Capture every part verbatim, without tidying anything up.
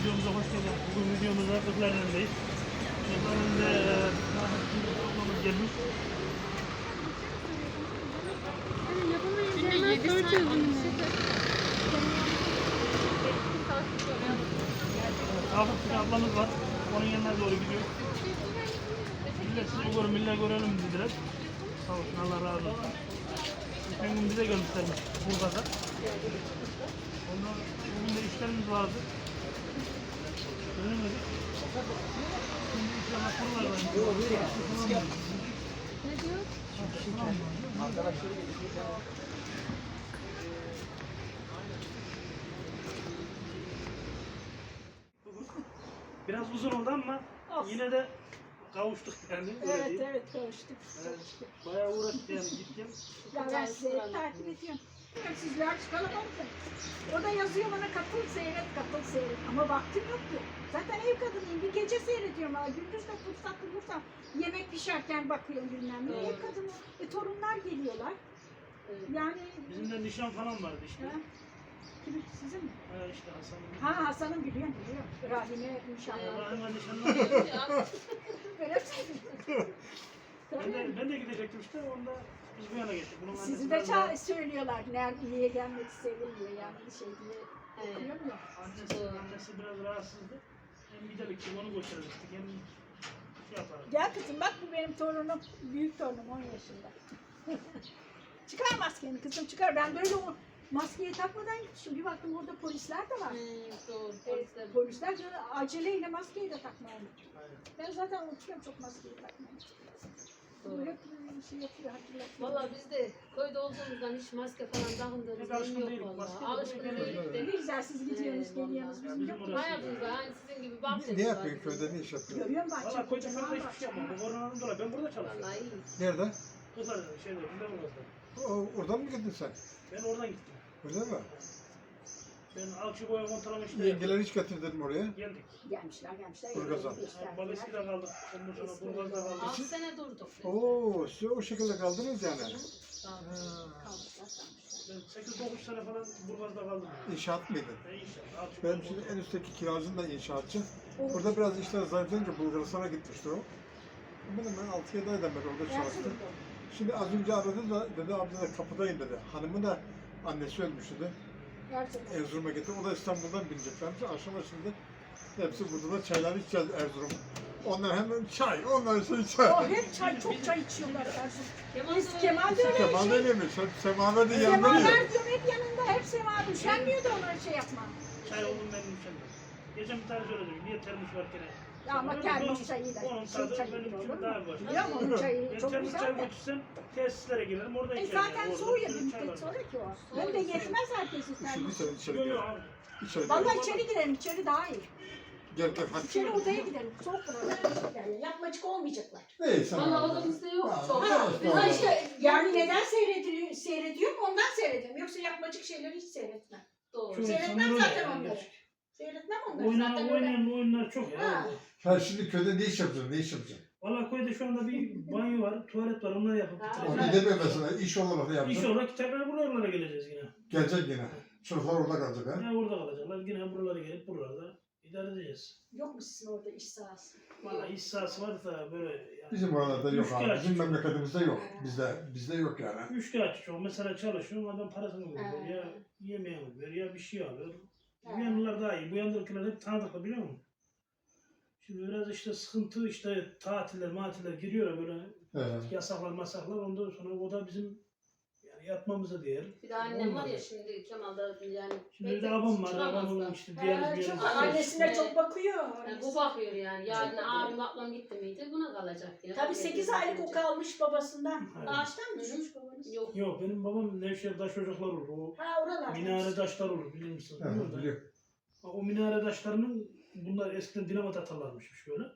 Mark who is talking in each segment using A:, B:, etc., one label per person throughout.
A: videomuza hoş geldiniz. Bugün videomuzda Kırklareli'ndeyiz. Kırklareli'nde ablamız gelmiş.
B: Günde yedi saat
A: Hafif bir ablamız var. Onun yanına doğru gidiyor. Millet sizi görün, millet görelim dediler. Sağ olsun, Allah razı olsun. Geçen gün bize gelmişlermiş Burgaz'a. Ondan bugün de işlerimiz vardı. Dönemedik. Şimdi inşallah kurular var.
B: Ne diyor?
A: Biraz uzun oldu ama yine de kavuştuk yani.
C: Evet
A: değil.
C: evet kavuştuk.
A: Evet, bayağı uğraştık yani gittim.
C: Ya ben sizi hep takip ediyorum. Sizler kalabalık. O da yazıyor bana katıl seyret katıl seyret. Ama vaktim yok ki. Zaten ev kadınıyım. Bir gece seyrediyorum. Aa, gündüz de fırsat bulursam yemek pişerken bakıyorum bilmem ne. Ev kadını. E, torunlar geliyorlar. Yani
A: Bizim de nişan falan vardı işte.
C: ha, kimin sizin mi?
A: Ha işte Hasan'ın.
C: Ha Hasan'ın biliyorum biliyorum. Rahime inşallah.
A: Rahim'e nişanlar.
C: Böyle söylüyorum.
A: Ben de, ben de gidecektim işte. Onda biz bu yana geçtik. Bunun
C: Sizi
A: annesi
C: de
A: biraz daha-
C: ça- söylüyorlar. Nerede niye gelmek sevilmiyor yani bir şey diye okuyor mu?
A: Annesi, annesi biraz rahatsızdı. Hem gidelim ki onu götürecektik hem şey yaparız.
C: Gel kızım bak bu benim torunum. Büyük torunum on yaşında. Çıkar maskeni kızım çıkar. Ben böyle o maskeyi takmadan gitmişim. Bir baktım orada polisler de var.
B: Doğru.
C: E, polisler de aceleyle maskeyi de takmaya unuttum.
A: Aynen.
C: Ben zaten unutuyorum çok maskeyi takmayı. Böyle bir şey yapıyor hatırlatıyor.
B: Valla biz de köyde olduğumuzdan hiç maske falan takındığımız
A: Pek alışkın
B: yok
A: değilik.
B: valla.
A: Maske de
B: Alışkın
A: pek
B: değilik
C: Ne
B: de.
C: güzel siz gidiyorsunuz
B: Evet,
C: geliyorsunuz.
A: vallahi.
C: Bizim
A: Ya
C: yok.
A: bizim orası-
B: Hayatımızda aynı sizin gibi bak
D: Ne yapıyor köyde, ne iş yapıyor?
C: Görüyorum bahçe.
A: Valla koyda
C: kocaman
A: şurada hiçbir
C: bahçe.
A: şey yapmam. Bu koronadan dolayı ben burada çalışıyorum.
B: Vallahi iyi.
D: Nerede?
A: Kızlar şeyde, burada burası.
D: O, oradan mı gittin sen?
A: Ben oradan gittim.
D: Öyle mi?
A: Ben alçı boya kontrolü işte
D: Yengeleri hiç getirdin mi oraya?
A: geldik.
C: Gelmişler gelmişler.
D: Burgaz'a.
C: Gösterdiler.
A: Babeski'de kaldık. Ondan sonra Burgaz'da kaldık.
B: Altı sene durduk. biz.
D: Oo, siz o şekilde kaldınız yani.
B: Sağ olun.
D: Ha,
C: Kalmışlar kalmışlar.
A: Ben sekiz dokuz sene falan Burgaz'da kaldım.
D: İnşaat mıydı?
A: Ben inşallah. Alçı
D: Benim
A: boya
D: şimdi
A: kontrolü.
D: en üstteki kiracım da inşaatçı. Burada biraz işler zayıflayınca Bulgaristan'a gitmişti o. Benim ben altı yedi aydan beri orada çalıştım. Şimdi az önce aradı da dedi abi de kapıdayım dedi. Hanımı da annesi ölmüş dedi.
C: Gerçekten.
D: Erzurum'a gitti. O da İstanbul'dan bineceklermiş. Akşama şimdi hepsi burada da çaylar içeceğiz Erzurum. Onlar hemen çay, onlar şey çay.
C: Oh hep çay çok çay içiyorlar Erzurum.
B: Kemal
C: Biz
B: de-
C: Kemal de öyle
D: Kemal
C: şey.
D: öyleymiş. Hep semaver de yanında yiyor.
C: Semaver diyorum hep yanında hep semaver. Üşenmiyor da onlara şey yapma.
A: Çay oldum benim üşenmez. Geçen bir tane söyledim. Niye termos var gene?
C: Ya ama termos çayı da
A: Onun
C: şey
A: tadı
C: çayı
A: benim
C: gibi olur
A: için
C: mu?
A: daha başka.
C: Biliyor musun onun çayı
A: Ben
C: çok
A: termos
C: güzel
A: çay
C: de.
A: götürsem tesislere girerim orada
C: E
A: içerim.
C: zaten
A: Orada
C: soğuyor
A: bir
C: bir
A: sürü çay
C: müddet
A: var.
C: sonra ki o. Hem de yetmez herkesin
D: Şimdi
C: termos.
D: sen içeri
A: Yok
D: gel.
A: yok abi.
D: İçeri gel.
C: Vallahi içeri girelim içeri daha iyi.
D: Gel gel hadi.
C: İçeri odaya gidelim. Soğuk buralar. Yani yapmacık olmayacaklar.
D: Neyse.
B: Valla odamızda yok.
D: Ha,
B: Çok.
D: ha,
B: Biz
D: ha.
C: Ha işte yani neden seyrediyor, seyrediyorum ondan seyrediyorum. Yoksa yapmacık şeyleri hiç seyretmem.
B: Doğru.
A: Çok
C: Seyretmem
A: insanlar
C: zaten
A: öyle yani
C: onları.
A: gerçekten.
C: Seyretmem onları
A: Oynanan,
C: zaten öyle.
A: oynayan oyunlar çok ya.
C: Ha.
D: Ha şimdi köyde ne iş yapacaksın? Ne iş yapacaksın?
A: Valla köyde şu anda bir banyo var, tuvalet var, onları yapıp
C: Ha,
D: O
A: bitireceğiz.
D: gidemiyor mesela. İş olarak ne yapacaksın?
A: İnşallah tekrar buralara geleceğiz yine.
D: Gelecek yine. Çocuklar orada kalacak ha.
A: Yine orada kalacaklar, yine buralara gelip buralarda idare edeceğiz.
C: Yok mu sizin orada iş sahası?
A: Valla iş sahası varsa böyle yani.
D: Bizim oralarda yok abi.
A: Üçkağıtçı
D: Bizim
A: çok.
D: memleketimizde yok. Bizde bizde yok yani.
A: Üç kağıtçı çok. Mesela çalışıyor, adam parasını veriyor
C: Ha.
A: ya yemeğini veriyor ya bir şey alıyor.
C: Ha.
A: Bu yanlılar daha iyi. Bu yandakiler hep tanıdıklı biliyor musun? Şimdi biraz işte sıkıntı işte tatiller matiller giriyor ya böyle
D: Evet.
A: yasaklar masaklar ondan sonra o da bizim yani yatmamıza değer.
B: Bir de annem var ya
A: Olmaz.
B: şimdi Kemal'da yani.
A: Şimdi bir de abam var.
B: çıkamaz
A: Abamın
B: da.
A: işte diğer
C: Ha,
A: bir
C: çok-
A: yerim.
C: annesine çok bakıyor.
B: Yani bu bakıyor yani. Yarın
C: Çok
B: abim ablam gitti miydi buna kalacak ya.
C: Tabii sekiz aylık o kalmış babasından.
A: Evet.
C: Ağaçtan mı düşmüş babanız?
B: Yok.
A: Yok benim babam Nevşehir taş ocaklar olur. O
C: Ha oralar.
A: minare taşlar olur bilir misin?
D: Evet,
A: Bilmiyorum da.
D: biliyorum.
A: O minare taşlarının bunlar eskiden dinamit atarlarmışmış böyle.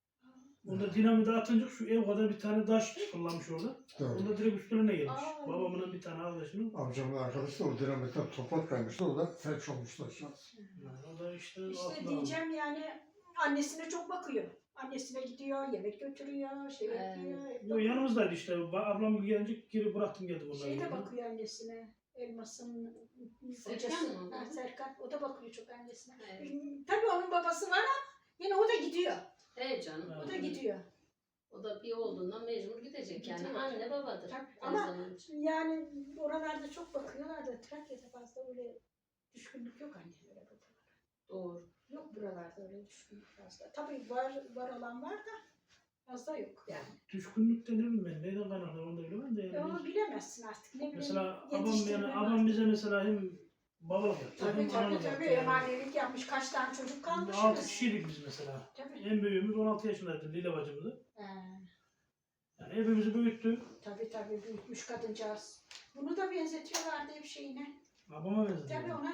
A: Onda dinamit atınca şu ev kadar bir tane taş fırlamış orada.
D: Doğru.
A: Onda direkt üstüne gelmiş.
C: Aa.
A: Babamın bir tane arkadaşının.
D: Amcamın arkadaşı da o dinamitten toprak kaymıştı. O da felç olmuştu aşağı.
A: Yani o da işte,
C: İşte
A: altına
C: diyeceğim yani annesine çok bakıyor. Annesine gidiyor, yemek götürüyor, şey
B: Evet.
C: yapıyor. hep
A: almış. Yo,
C: bakıyor.
A: yanımızdaydı işte. Ba- Ablam gelince geri bıraktım geldim onları.
C: Şey de
A: yanına.
C: bakıyor annesine. Elmas'ın
B: Serkan
C: kocası.
B: mı?
C: Ha, Serkan. O da bakıyor çok annesine.
B: Evet.
C: Tabii onun babası var ama yine o da gidiyor.
B: Evet canım.
C: O da gidiyor.
B: O da bir olduğundan mecbur gidecek yani.
C: Gidiyor.
B: Anne babadır.
C: Tabii.
B: her
C: Ama
B: zaman için.
C: yani oralarda çok bakıyorlar da Trakya'da fazla öyle düşkünlük yok annelere babalara.
B: Doğru.
C: Yok buralarda öyle düşkünlük fazla. Tabii var var olan var da fazla yok yani.
A: Düşkünlük de ne bileyim ben. Neyden kaynaklı onu da bilemem de.
C: E
A: Yani
C: onu bilemezsin artık. Ne bileyim.
A: mesela abam,
C: yetiştirme
A: yani,
C: var.
A: abam bize mesela hem babalık yaptı.
C: Tabii
A: hem
C: tabii
A: analık
C: tabii.
A: yaptı yani.
C: Emanelik yapmış. Kaç tane çocuk kalmış.
A: altı kişiydik biz mesela.
C: Tabii.
A: En büyüğümüz on altı yaşındaydı Lile bacımdı.
C: Ee,
A: Yani hepimizi büyüttü.
C: tabii tabii büyütmüş kadıncağız. Bunu da benzetiyorlardı hep şeyine.
A: Babama benzedi.
C: Tabii ona.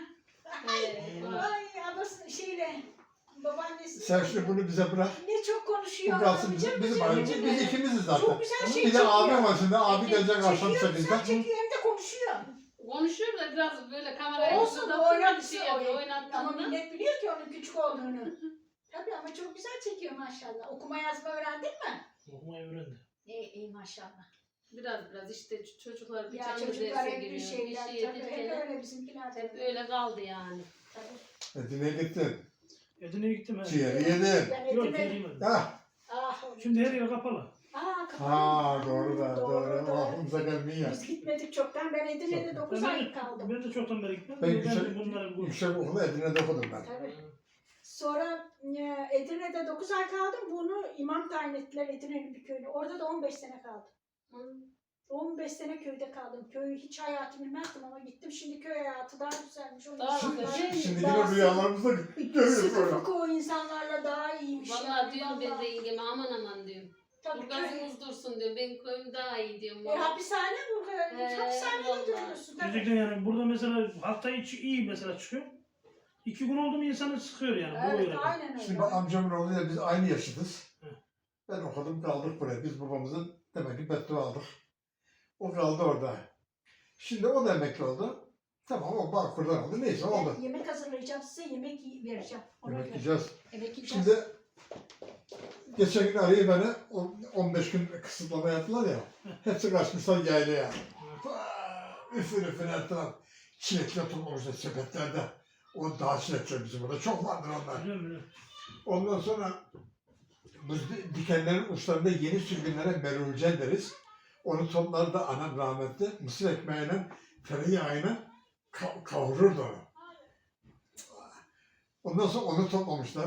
B: Ee,
C: Ay anası şeyle babaannesi.
D: Sen şimdi bunu bize bırak.
C: Ne çok
D: Bu
C: konuşuyor.
D: kalsın
C: Bıcır
D: bizim, bizim
C: bıcır
D: ailemiz.
C: bıcır.
D: Biz ikimiziz
C: Çok
D: zaten.
C: güzel şey
D: Bir de
C: çekiyor.
D: abim var şimdi. Abi gelecek akşam
C: Çekiyor, güzel
D: sekizde.
C: çekiyor hem de konuşuyor.
B: konuşuyor da biraz böyle kameraya
C: Olsun
B: yüzünden
C: o oynatısı
B: şey yapıyor,
C: Ama
B: oynattığında.
C: millet biliyor ki onun küçük olduğunu. Tabii ama çok güzel çekiyor maşallah. Okuma yazma öğrendin mi?
A: Okumayı öğrendi.
C: İyi iyi maşallah.
B: Biraz biraz işte ç- çocuklar bir
C: Ya
B: canlı
C: çocuklar
B: derse
C: hep bir
B: giriyor.
C: şeyler
B: Bir şey
C: tabii. Hep
B: yedirken
C: öyle bizimkiler
B: hep
C: tabii.
B: öyle kaldı yani.
C: Tabii.
D: Edirne'ye gittin.
A: Edirne'ye gittim he.
D: Ciğeri yedin.
C: Ben
A: Yok
C: Edirne-
A: yemedim.
D: Ah.
C: Ah,
A: Şimdi her yer kapalı.
C: Aa, kapalı.
D: Ha doğru da doğru.
C: Doğru, doğru.
D: Aklımıza gelmiyor.
C: Biz gitmedik çoktan. Ben Edirne'de dokuz
A: Ben,
C: ay kaldım.
A: ben de çoktan beri gitmedim.
D: Ben
A: Ben,
D: yüksek,
A: de bunları bu.
D: yüksek okulu Edirne'de okudum ben.
C: Tabii. Sonra e, Edirne'de dokuz ay kaldım. Bunu imam tayin ettiler Edirne'nin bir köyüne. Orada da on beş sene kaldım.
B: Hı.
C: on beş sene köyde kaldım. Köyü hiç hayatı bilmezdim ama gittim. Şimdi köy hayatı daha güzelmiş. O
B: Daha
C: insanlar
B: güzel.
D: Şimdi
C: daha
D: yine
C: sıkı-
D: rüyalarımızda görüyoruz
C: Sıkı
D: böyle.
C: fıkı o insanlarla daha iyiymiş.
B: Vallahi
C: yani,
B: diyorum ben
C: vallahi.
B: de yengeme aman aman diyorum.
C: Tabii köy.
B: Burgazımız dursun diyorum. Benim köyüm daha iyi diyorum.
C: E,
B: vallahi.
C: hapishane burada.
B: He,
C: Hapishanede
B: vallahi.
C: duruyorsun. Tabii.
A: Gerçekten yani burada mesela hafta içi iyi mesela çıkıyor. İki gün oldu mu insanı sıkıyor yani. Bu
C: Evet
A: öyle.
C: aynen öyle.
D: Şimdi bak amcamın oğluyla biz aynı yaşıtız.
A: Hı.
D: Ben okudum kaldık buraya. Biz babamızın demek ki beddua aldık. O kaldı orada. Şimdi o da emekli oldu. Tamam o Bağkur'dan oldu. Neyse oldu.
C: Ben yemek hazırlayacağım size. Yemek yi- vereceğim. Ona
D: Yemek
C: göre.
D: yiyeceğiz.
C: Yemek yiyeceğiz.
D: Şimdi geçen gün arayıp beni o- on beş gün kısıtlama yaptılar ya. Hepsi kaçmışlar yaylaya. Üfür üfür ettiler. Çilekler toplamışlar sepetlerde. O dağ çilekler bizim burada. Çok vardır onlar.
A: Biliyorum biliyorum.
D: Ondan sonra bu di- dikenlerin uçlarında yeni sürgünlere merulce deriz. Onu toplar da anam rahmetli mısır ekmeğiyle tereyağıyla ka- kavururdu onu. Ondan sonra onu toplamışlar.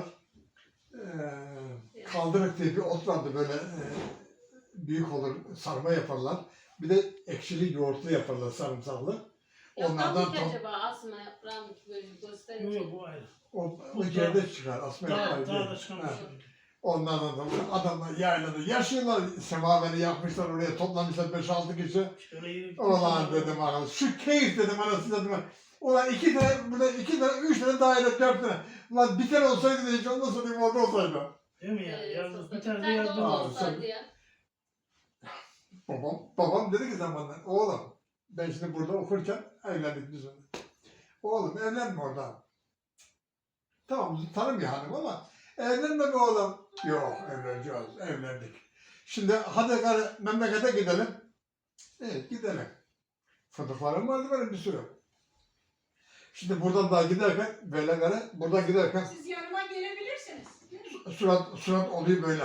D: Ee, kaldırık diye bir ot vardı böyle e, büyük olur sarma yaparlar. Bir de ekşili yoğurtlu yaparlar sarımsaklı. Onlardan
B: Onlardan ki
D: top,
B: acaba asma yaprağım ki böyle
A: Yok
B: gösterince.
A: yok bu ayrı.
D: o, o yerde çıkar asma
A: Daha,
D: yaprağı
A: daha
D: diye.
A: da çıkan bir
D: Ha.
A: şey.
D: Onlardan sonra adamlar yaylada yaşıyorlar. Semaveri yapmışlar oraya toplamışlar beş altı kişi.
A: İşte öyle iyi.
D: Ulan dedim arkadaş. Şu keyif dedim anasını dedim. Ulan iki tane, burada iki tane, üç tane daire, dört tane. Ulan bir tane olsaydı da hiç ondan sonra bir orada olsaydı.
A: Değil mi yani?
B: Ee,
A: Yazdım.
B: sosyal-
A: Bir tane de
B: tane
A: yazdım.
B: o
D: Aa,
B: olsaydı
D: sen-
B: ya.
D: Babam, babam dedi ki zamanla, oğlum ben şimdi burada okurken evlendik biz onunla. Oğlum evlenme oradan. Tamam tanımıyor hanım ama evlenme be oğlum. Yok evleneceğiz, evlendik. Şimdi hadi gari memlekete gidelim. Evet gidelim. Fındıklarım vardı benim bir sürü. Şimdi buradan daha giderken böyle gari buradan giderken
C: Siz yanıma gelebilirsiniz.
D: surat surat oluyor böyle.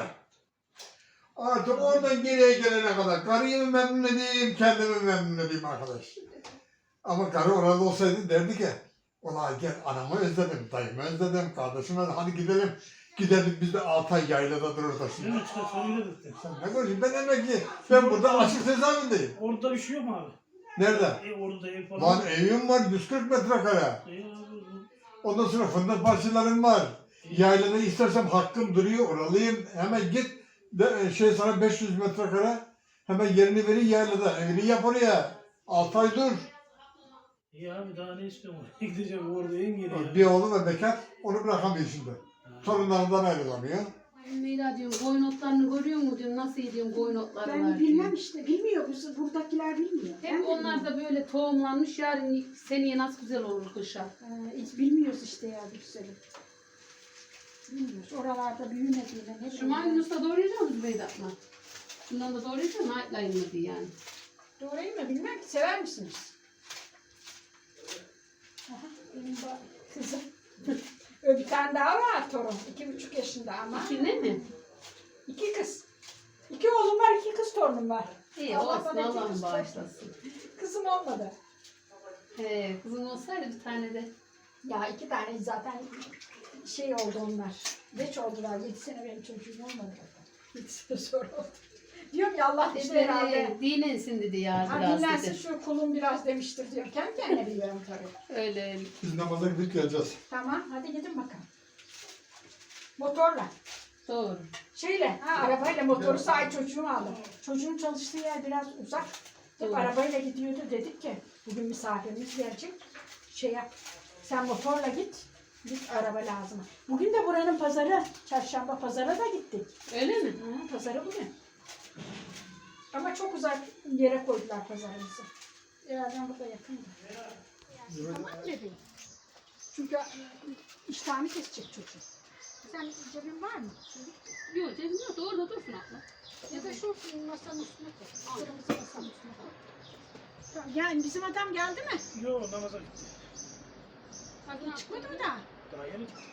D: Artık oradan geriye gelene kadar karıyı mı memnun edeyim, kendimi memnun edeyim arkadaş. Ama karı orada olsaydı derdi ki, ulan gel anamı özledim, dayımı özledim, kardeşimi özledim, hadi gidelim. Gidelim biz de altı ay yaylada dururuz
A: Değil
D: şimdi.
A: mi? İşte söyledik de.
D: Sen ne konuşuyorsun? Ben emekli. Ben burada açık cezaevindeyim.
A: Orada bir şey yok mu abi?
D: Nerede?
A: E, orada ev falan.
D: Lan evim var yüz kırk metrekare.
A: E, abi,
D: Ondan sonra fındık parçalarım var. Yaylada istersem hakkım duruyor, oralıyım. Hemen git, de, şey sana beş yüz metrekare. Hemen yerini verin yaylada. Evini yap oraya. altı ay dur.
A: İyi abi daha ne istiyorum? Gideceğim orada en geri ya.
D: Bir oğlu ve bekar, onu bırakamıyor şimdi. Torunlarından ayrılamıyor.
B: Meyla diyorum koyun otlarını görüyor mu diyorum nasıl diyorum koyun otları var
C: Ben
B: diyorum.
C: bilmem işte. Bilmiyor. Bu- Buradakiler bilmiyor. Ben
B: Hep
C: de
B: onlar da böyle tohumlanmış yarın seneye nasıl güzel olur kışa.
C: Ee, hiç bilmiyoruz işte ya güzelim. Bilmiyoruz. Oralarda büyümediğine ne
B: Şu
C: bileyim.
B: maymunus'ta doğrayacak mısın Beydat'la? Bundan da doğrayacak mı? Ayıtlayın mı diye yani.
C: Doğrayayım mı bilmem ki. Sever misiniz? Benim ba- kızım. Öyle bir tane daha var torun. İki buçuk yaşında ama.
B: İki ne mi?
C: İki kız. İki oğlum var, iki kız torunum var.
B: İyi
C: Allah
B: olsun,
C: bana iki
B: Allah'ım
C: kız
B: bağışlasın.
C: Kızım olmadı.
B: He, kızın olsaydı bir tane de.
C: Ya iki tane zaten şey oldu onlar. Geç oldular. Yedi sene benim çocuğum olmadı. Yedi sene sonra oldu. Diyorum ya Allah işte
B: İşte
C: herhalde.
B: e, dinlensin dedi ya
C: Ha,
B: biraz
C: dinlensin
B: dedi.
C: şu kulum biraz demiştir diyorum. Kendi kendine biliyorum tabii.
B: Öyle öyle.
D: Biz namaza gidip geleceğiz.
C: Tamam hadi gidin bakalım. Motorla.
B: Doğru.
C: Şeyle, ha, arabayla motoru sahi çocuğum aldım. Çocuğun çalıştığı yer biraz uzak. Hep
B: Doğru.
C: arabayla gidiyordu. Dedik ki bugün misafirimiz gelecek. Şey yap, sen motorla git. Git araba lazım. Bugün de buranın pazarı, çarşamba pazara da gittik.
B: Öyle mi?
C: Hı, pazarı bugün. Ama çok uzak yere koydular pazarımızı. Herhalde burada yakındı. Tamam bebeğim. Çünkü e, iştahını kesecek çocuk. Sen cebin var mı?
B: Yok cebim yok. Orada dursun abla.
C: Ya da şu masanın üstüne koy. Kırmızı masanın üstüne koy. Tamam, yani bizim adam geldi mi?
A: Yok namaza gitti.
C: Bak çıkmadı mı daha?
A: Daha yeni gitti.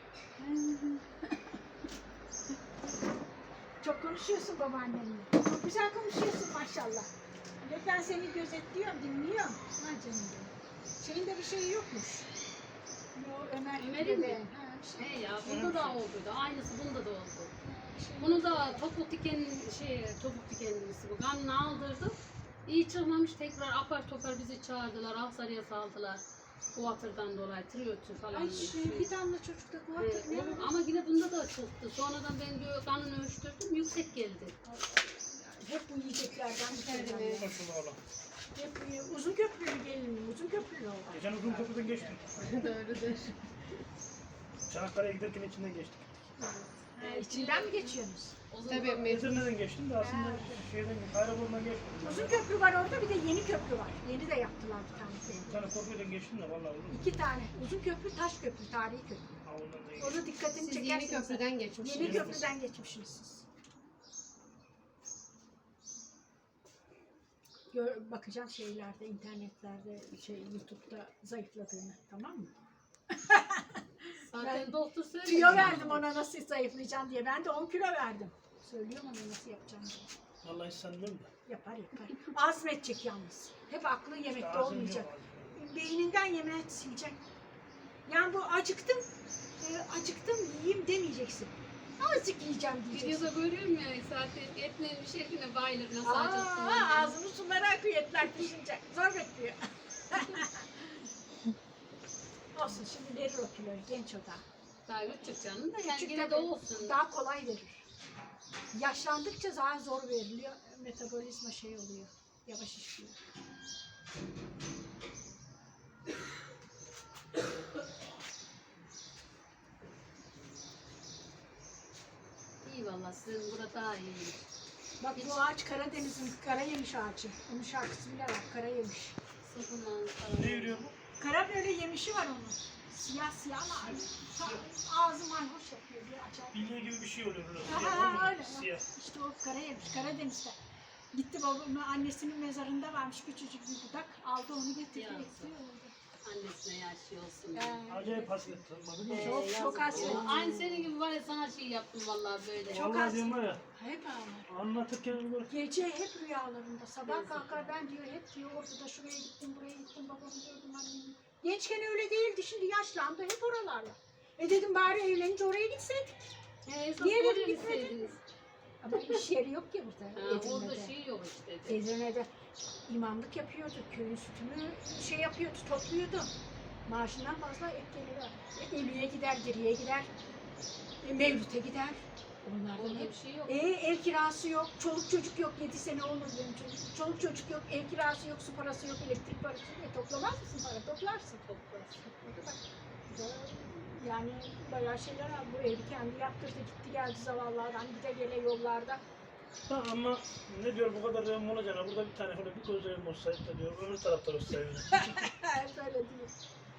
C: Çok konuşuyorsun babaannenle. Çok güzel konuşuyorsun maşallah. Ve ben seni gözetliyorum, dinliyorum. Ha canım benim. Şeyinde bir şey yokmuş. Yo, Ömer
B: Ömer'in mi?
C: Ha, bir şey.
B: He ya bunda da oldu. Aynısı bunda da oldu. Bunu da topuk diken şey topuk dikenlisi bu. Kanını aldırdık. İyi çıkmamış tekrar apar topar bizi çağırdılar. Ahsarıya saldılar. Bu hatırdan dolayı triyotür falan.
C: Ay
B: şey.
C: şey, bir damla çocukta bu
B: Evet,
C: artık ne
B: onun-
C: var?
B: ama yine bunda da çıktı. Sonradan ben diyor kanını ölçtürdüm yüksek geldi.
C: Hep bu yiyeceklerden bir
B: Evet.
C: şeyler.
A: Maşallah Allah.
C: Hep bu- uzun köprülü gelin, uzun köprülü olan.
A: Geçen uzun köprüden geçtim.
B: Doğrudur.
A: Çanakkale'ye giderken içinden geçtik.
C: Ha, içinden mi geçiyorsunuz?
B: Tabii mecbur.
A: Edirne'den geçtim de aslında şeyden Kayrabol'dan geçmedim.
C: Uzun köprü var orada, bir de yeni köprü var. Yeni de yaptılar bir tanesi.
A: Bir tane korkuyla geçtim de vallahi uzun.
C: İki tane. Uzun köprü, taş köprü, tarihi köprü.
A: Ha ondan da geçtim.
C: Orada dikkatini
B: Siz
C: çekersiniz.
B: yeni köprüden geçmişsiniz.
C: Yeni köprüden geçmişsiniz siz. Gör, bakacağım şeylerde, internetlerde, şey YouTube'da zayıfladığını, tamam mı?
B: Zaten doktor söyledi.
C: Tüyo verdim ona nasıl zayıflayacaksın diye. Ben de on kilo verdim. Söylüyorum ona nasıl yapacağım diye.
A: Vallahi hiç sanmıyorum da.
C: Yapar yapar. Azmedecek yalnız. Hep aklı yemekte
A: Ağzım
C: olmayacak.
A: yok abi.
C: Beyninden yemeğe silecek. Yani bu acıktım, e, acıktım yiyeyim demeyeceksin. Azıcık yiyeceğim diyeceksin.
B: Videoda görüyorum ya zaten etlerin bir şeklinde bayılır nasıl acıktım.
C: Aa, ağzının suları akıyor etler pişince. Zor bekliyor. Olsun şimdi verir o kiloyu genç o da.
B: Daha küçük canım da yani
C: Küçük
B: yine
C: de
B: de olsun.
C: daha kolay verir. Yaşlandıkça daha zor veriliyor. Metabolizma şey oluyor. Yavaş işliyor.
B: İyi valla sizin burada daha iyi.
C: Bak bu ağaç Karadeniz'in kara yemiş ağacı. Onun şarkısı bile var. Kara yemiş.
B: Sıfırlan
A: Ne yürüyor bu?
C: Kara böyle yemişi var onun. Siyah siyah ama ağzı mayhoş yapıyor. Bir acayip.
A: Bilye gibi bir şey oluyor. Böyle.
C: Ha,
A: Siyah
C: ha,
A: olmuyor.
C: öyle.
A: Siyah.
C: İşte o kara yemiş. Karadeniz'de. Gitti babamın annesinin mezarında varmış küçücük bir budak. Aldı onu getirdi.
B: Ya.
C: ekti, oldu.
B: Annesine yaşlı olsun.
C: Ee,
A: Acayip hasret. Anladın mı?
B: Ee,
C: Çok-
B: yazık
C: çok
B: ya.
C: hasret.
B: Aynı senin gibi var ya sana şey yaptım vallahi böyle.
C: Çok
A: Vallahi
C: hasret.
A: diyorum var ya.
C: Hep ağlar.
A: Anlatırken böyle.
C: Gece hep rüyalarında. Sabah
B: Yazık.
C: kalkar ben diyor hep diyor ortada şuraya gittim buraya gittim babamı gördüm annemi. Gençken öyle değildi şimdi yaşlandı hep oralarla. E dedim bari evlenince oraya gitseydik.
B: Ee, esas
C: Niye
B: oraya
C: dedim gitmedin?
B: gitseydiniz.
C: Ama iş yeri yok ki burada.
B: Ha, orada
C: Edirne'de.
B: şey yok işte.
C: Edirne'de imamlık yapıyordu. Köyün sütünü şey yapıyordu, topluyordu. Maaşından fazla ek geliyor. E, ölüye gider, geriye gider. E, mevlüte gider. Onlardan
B: Orada
C: hep.
B: bir şey yok.
C: E, ev kirası yok, çoluk çocuk yok. Yedi sene olmadı benim çocuk. Çoluk çocuk yok, ev kirası yok, su parası yok, elektrik parası yok. E, toplamaz mısın para? Toplarsın.
B: Toplarsın.
C: Yani bayağı şeyler aldı. Bu evi kendi yaptırdı, gitti geldi zavallardan. Gide gele yollarda.
A: Ha, ama ne diyor bu kadar evim olacağına burada bir tane böyle bir göz evim olsaydı da diyor öbür tarafta olsaydı.
C: Hep öyle diyor.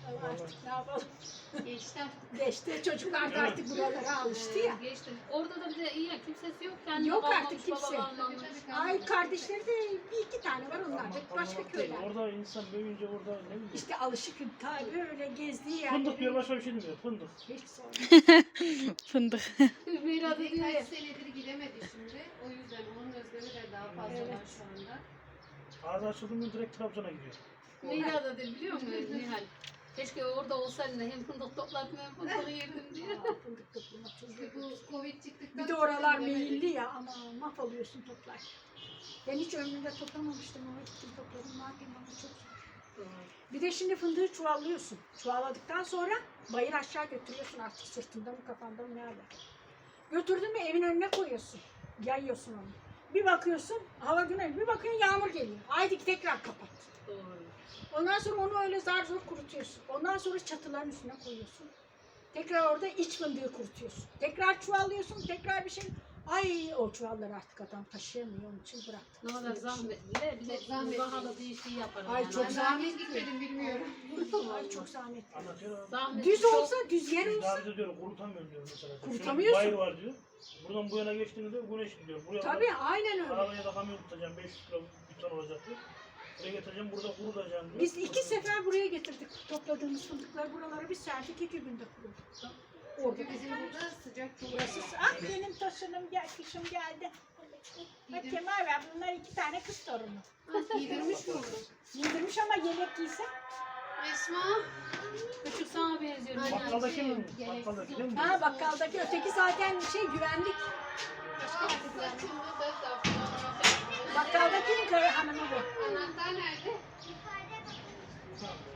C: Ama artık ne yapalım?
B: Geçti artık.
C: Geçti. Çocuklar da artık buralara alıştı ya.
B: Ee, geçti. Orada da bir de iyi ya, kimsesi yok. Kendi
C: Yok
B: kalmamış,
C: artık kimse.
B: baba kalmamış.
C: Ay kardeşleri de bir iki tane var, onlar da başka köyler.
A: Orada insan büyüyünce orada ne bileyim.
C: İşte alışık ta böyle gezdiği
A: Fındık diyor,
C: yerleri
A: başka bir şey demiyor. Fındık.
C: hiç sorma.
E: Fındık.
B: Hümeyra da diyor ya.
F: Kaç senedir gidemedi şimdi. O yüzden onun özlemi de daha fazla
C: Evet.
F: var şu anda.
A: Ağzı açıldı mı direkt Trabzon'a gidiyor.
B: Hümeyra da diyor biliyor musun Nihal? Keşke orada olsaydın da hem fındık topladım hem fındık yerdim diyor.
C: Aa, fındık toplamak çok
F: İşte
C: zor.
F: bu Covid çıktıktan
C: Bir de
F: sonra
C: oralar
F: gidemedi.
C: meyilli ya, ama mahvoluyorsun toplar. Ben hiç ömrümde toplamamıştım ama gittim topladım. Ne yapayım, ama çok zor. Bir de şimdi fındığı çuvallıyorsun. Çuvalladıktan sonra bayır aşağı götürüyorsun, artık sırtında mı kafanda mı nerede. Götürdün mü evin önüne koyuyorsun. Yayıyorsun onu. Bir bakıyorsun hava güneş, bir bakıyorsun yağmur geliyor. Haydi tekrar kapat.
B: Doğru.
C: Ondan sonra onu öyle zar zor kurutuyorsun. Ondan sonra çatıların üstüne koyuyorsun. Tekrar orada iç fındığı kurutuyorsun. Tekrar çuvallıyorsun, tekrar bir şey. Ay o çuvalları artık adam taşıyamıyor, onun için bıraktı.
B: Ne kadar zahmetli de bir de
F: Çok zahmetli.
B: pahalı bir şey yaparım.
C: Ay,
B: yani.
C: çok
F: Ben
C: zahmetli.
F: daha hiç gitmedim bilmiyorum.
C: Ay çok zahmetli.
A: Anlatıyor abi.
B: Zahmetli
C: Düz
B: çok-
C: olsa, düz yer
A: Biz
C: olsa.
A: daha bize diyor kurutamıyorum diyor mesela.
C: Kurutamıyorsun.
A: Şöyle bir bay var diyor. Buradan bu yana geçtiğinde diyor güneş gidiyor. Buraya
C: Tabii
A: kadar
C: aynen öyle.
A: arabaya da kamyon tutacağım, beş yüz kilo bir ton olacak diyor. Buraya getireceğim, burada kurutacağım diyor.
C: Biz iki sefer buraya getirdik topladığımız fındıkları, buralara bir serdik, iki günde kuruduk. Orada
F: Çünkü bizim burada sıcak çok
C: burası.
F: var.
C: Ah benim taşınım gel, kışım geldi. Bak Kemal ver, bunlar iki tane kız torunu.
F: Giydirmiş mi onu?
C: Giydirmiş ama yelek giyse.
B: Esma. Küçük sana benziyor.
F: Aynen.
A: Bakkaldaki mi?
F: Gereksiz
A: Bakkaldaki değil mi?
C: Ha bakkaldaki, öteki zaten şey güvenlik. Bakkaldakinin karı hanımı bu.
F: Anahtar nerede?
A: Tamam.